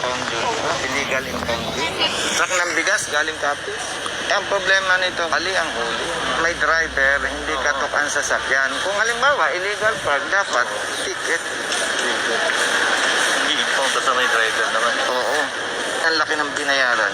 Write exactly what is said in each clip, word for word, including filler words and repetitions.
impounding. Illegal impounding. Truck ng bigas galing Capiz. Eh, ang problema nito, mali ang huli. May driver, hindi katok ang sasakyan. Kung halimbawa, illegal park, dapat ticket. Hindi impound sa may driver naman. Oo. Ang laki ng binayaran.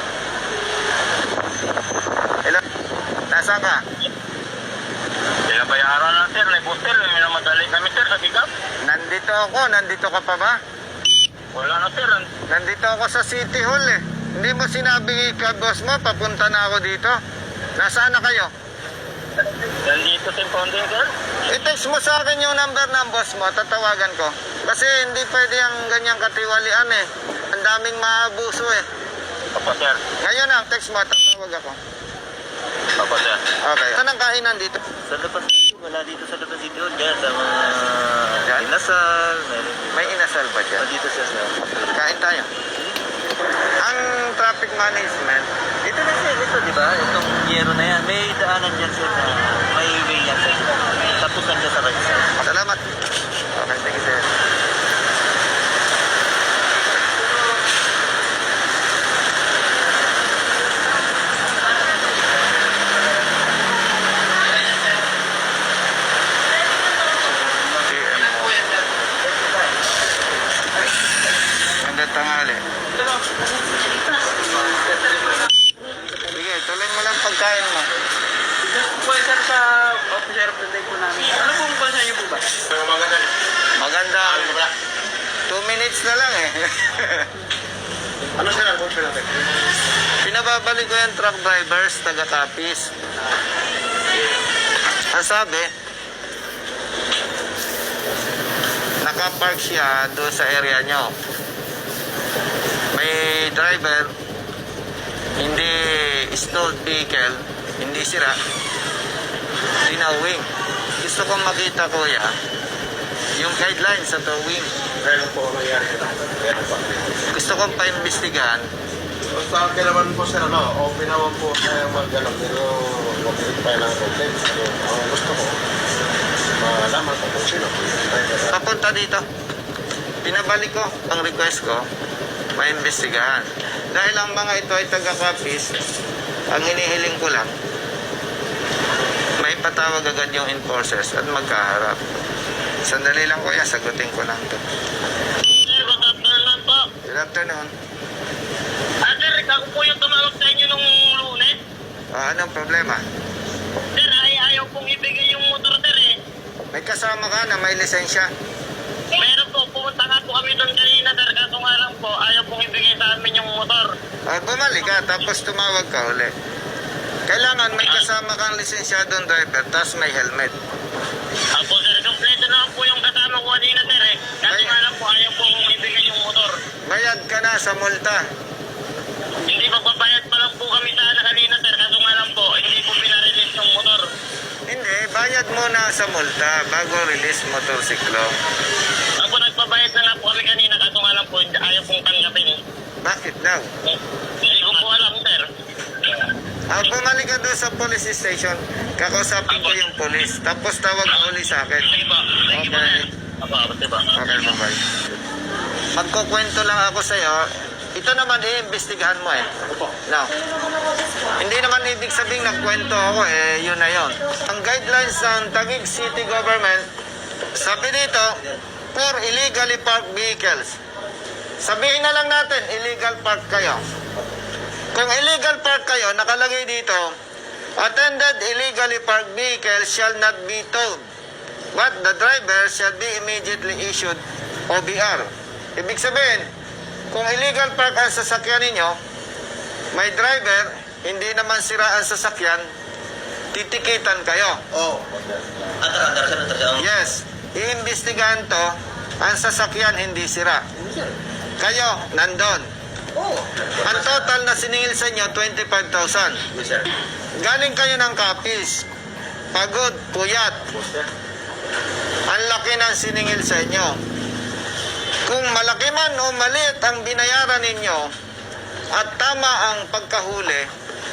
Hello? Nasaan ka? Kaya bayaran na sir, may booster, may namadali kami sir sa pick-up. Nandito ako. Nandito ka pa ba? Wala na sir. Nandito ako sa City Hall eh. Hindi mo sinabi ka boss mo, papunta na ako dito. Nasaan na kayo? Nandito sa impounding sir. I-text mo sa akin yung number ng boss mo, tatawagan ko. Kasi hindi pwede ang ganyang katiwalian eh. Ang daming maabuso eh. Opo sir. Ngayon na, text mo, tatawag ako. Opo sir. Okay. Saan ang kainan dito? Sa labas, wala dito sa labas dito. Diyan sa mga Diyan? inasal. Meron. May inasal ba O dyan? dito sir. Kain tayo. Ang traffic management, Ito na sir, ito di ba? Itong yero na yan. May daanan dyan sir na may way yan sir. Tapos nandiyan sa right side. salamat. Okay, thank you sir. Magandang tanghali. Sige, tuloy mo lang pagkain mo. Po sir sa officer of the day po namin. Ano pong bansa niyo po ba? Maganda. Two minutes na lang eh. Ano sir ang officer natin? Pinababalik ko yung truck drivers, taga Capiz. Ang sabi, nakapark siya doon sa area nyo. May driver, hindi stalled vehicle, hindi sira, tinawing. Gusto kong makita kuya, yung guidelines sa towing. Kailan po ang nangyari ito? Kailan po? Gusto kong pa-investigahan. Sa akin naman po sir, ano, open naman po kaya mag-alam. Pero mag-alit pa ng complaint. So, ang gusto ko, malaman ko kung sino. Papunta dito. Pinabalik ko ang request ko, maimbestigahan. Dahil ang mga ito ay taga-Capiz, ang hinihiling ko lang, may patawag agad yung enforcers at magkaharap. Sandali lang kuya, sagutin ko lang to. Sir, good afternoon po. Good afternoon. Ah sir, ako po yung tumawag sa inyo nung lunes. Ah, anong problema? Sir, ay ayaw pong ibigay yung motor sir eh. May kasama ka na may lisensya. Meron po, pumunta nga po kami doon kanina sir. Kaso nga lang po, ayaw pong ibigay sa amin yung motor. Ah, bumalik ka, tapos tumawag ka uli. Kailangan may kasama kang lisensyadong driver, tapos may helmet. Apo sir, kompleto naman po yung kasama ko kanina sir eh. Kaso Ay. nga lang po, ayaw pong ibigay yung motor. Bayad ka na sa multa. Hindi magbabayad pa lang po kami sana kanina sir. Kaso nga lang po, hindi po pinarelease yung motor. Hindi, bayad muna sa multa bago release motorsiklo. Ako nagbabayad na nga po kami kanina. Kaso nga lang po, ayaw pong tanggapin. Bakit daw? Hindi ko po alam sir. Ah, bumalik ka doon sa police station, kakausapin ko yung police, tapos tawag ka uli sa akin. Sige po. Thank you po Okay. sir. Apo, apo diba? Okay, bye-bye. Magkukwento lang ako sa'yo, ito naman iimbestigahan mo eh. Now, hindi naman ibig sabihin nagkwento ako eh, yun na yun. Ang guidelines ng Taguig City Government, sabi dito, for illegally parked vehicles. Sabihin na lang natin, illegal park kayo. Kung illegal park kayo, nakalagay dito, attended illegally parked vehicle shall not be towed, but the driver shall be immediately issued O B R. Ibig sabihin, kung illegal park ang sasakyan ninyo, may driver, hindi naman sira ang sasakyan, titikitan kayo. Oo. Andar, andar sir, andar. Yes, iimbestigahan to, ang sasakyan hindi sira. Kayo, nandun. Oo. Ang total na siningil sa inyo, twenty-five thousand. Yes sir. Galing kayo ng Capiz. Pagod, puyat. Ang laki ng siningil sa inyo. Kung malaki man o maliit ang binayaran ninyo at tama ang pagkahuli,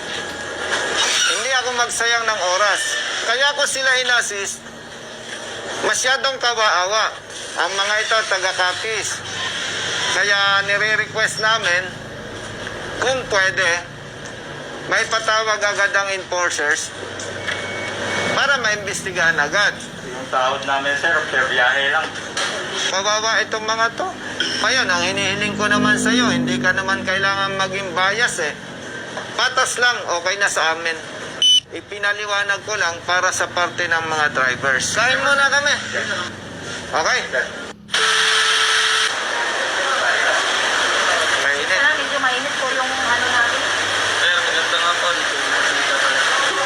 hindi ako magsayang ng oras. Kaya ko sila inassist, masyadong kawaawa. Ang mga ito taga Capiz. Kaya nire-request namin kung pwede, may patawag agad ang enforcers para maimbestigahan agad. Yung tawad namin, sir, per biyahe lang. Kawawa itong mga to. Ngayon, ang hinihiling ko naman sa'yo, hindi ka naman kailangan maging bias eh. Patas lang, okay na sa amin. Ipinaliwanag ko lang para sa parte ng mga drivers. Kain muna kami. Okay? Mainit. Kaya medyo mainit po yung ano natin. Sir, maganda nga po. Nakita pala.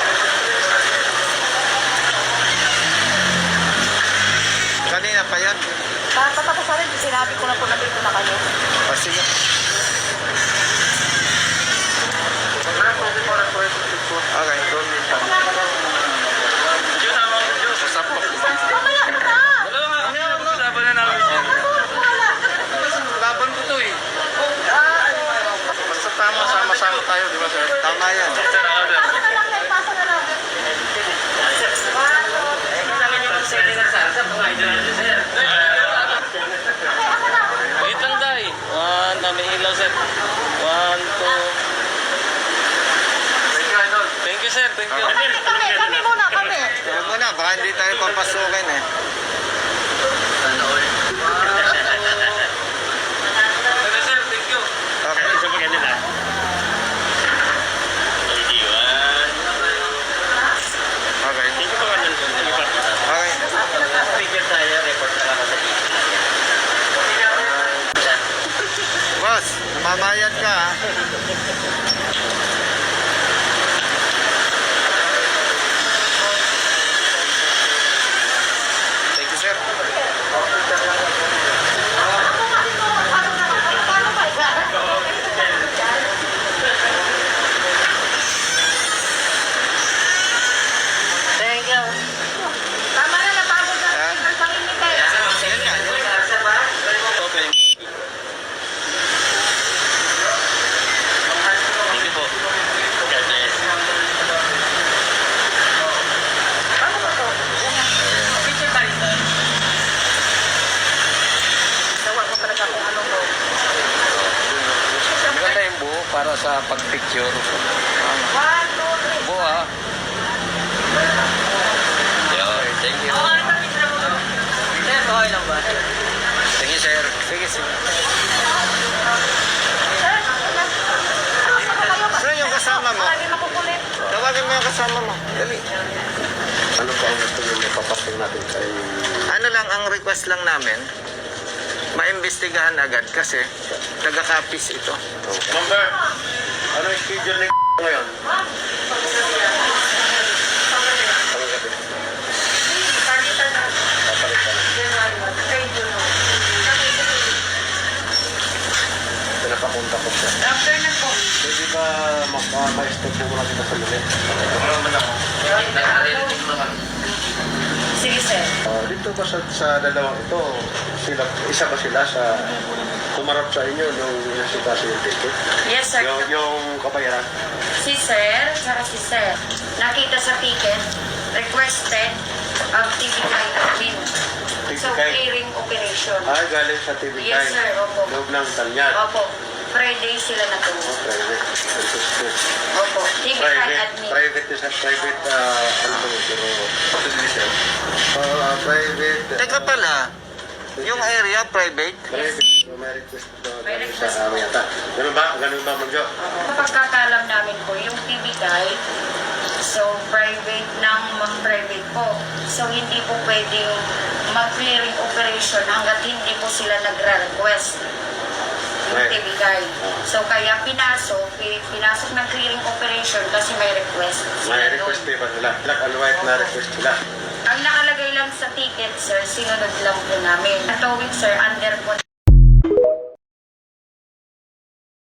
Kanina pa yan. Patapos na rin, sinabi ko na po na dito na kayo. O sige. Okay. Yun ang mga Diyos. Sasapok. Mamaya na ka! Wala nga. Ano yung pag-usapan na namin yan? Laban ko to eh. Basta tama, sama-sama tayo, di ba sir? Tama yan. Sir, ako sir. Pasa na lang, Nay, pasa na lang. Okay, ako na. Wait lang, Day. One, may ilaw, sir. One, two. Thank you, sir. Thank you. Kami, kami, kami muna, kami. Huwag mo na, baka hindi tayo papasukin eh. Sana all. Thank you, sir. Thank you. Okay. Sa kanila. Okay. Hindi ko kanil ko. Okay. Speaker tayo. Report na lang ako sa Boss, mamayad ka ha. Thank you, sir. Paano ba yan? Thank you. Tama na, napagod na. Ang panginit eh. Yan nga, yan. Okay. Thank you po. Paano ba to? Picture tayo, sir. Nawa ko talaga kung ano mo. Maganda yung buo para sa pag-picture. One, two, three. Buo ah. Yeah, thank you. Sir, okay lang ba? Thank you, sir. Sige, sige. Sir, asa na kayo ba? Sino yung kasama mo? Lagi makukulit. Tawagin mo yung kasama mo. Dali. Ano po ang gusto niyo mapapating natin kay... Ano lang, ang request lang namin, maimbestigahan agad kasi taga-copies ito. Number, ano yung schedule ni ngayon? Anong gabi? Palitan na. Papalitan. January one. Kay Juno. Pinapapunta ko siya. After na po. Pwede ba ma-step po muna kita sa muli? Sige, sir. Ah, dito ba sa, sa dalawang ito, sila, isa ba sila sa kumarap sa inyo nung inasikaso yung ticket? Yes, sir. Yung, yung kabayaran? Si sir, saka si sir. Nakita sa ticket, requested ang T V K admin. So, T V K? clearing operation. Ah, galing sa T V K. Yes, sir. Opo. Loob ng Tanyag. Opo. Friday sila na to. Oh, private. Understood. Opo. T V K Private, admin. private is a private, uh, ano ba yun, pero, uh, private, Teka pala, yung area private, private, may request ba May galing request sa amin yata. Ganun ba? Ganun ba, Magjo? Sa pagkakalam namin po, yung T V K, so private ng mga private po. So hindi po pwedeng mag-clearing operation hanggat hindi po sila nagre-request yung Right. T V K. So kaya pinasok, pi- pinasok ng clearing operation kasi may request sila May doon. request din ba nila? Black and white na request nila. Ang nakalagay lang sa ticket, sir, sinunod lang po namin. Ang towing, sir, under po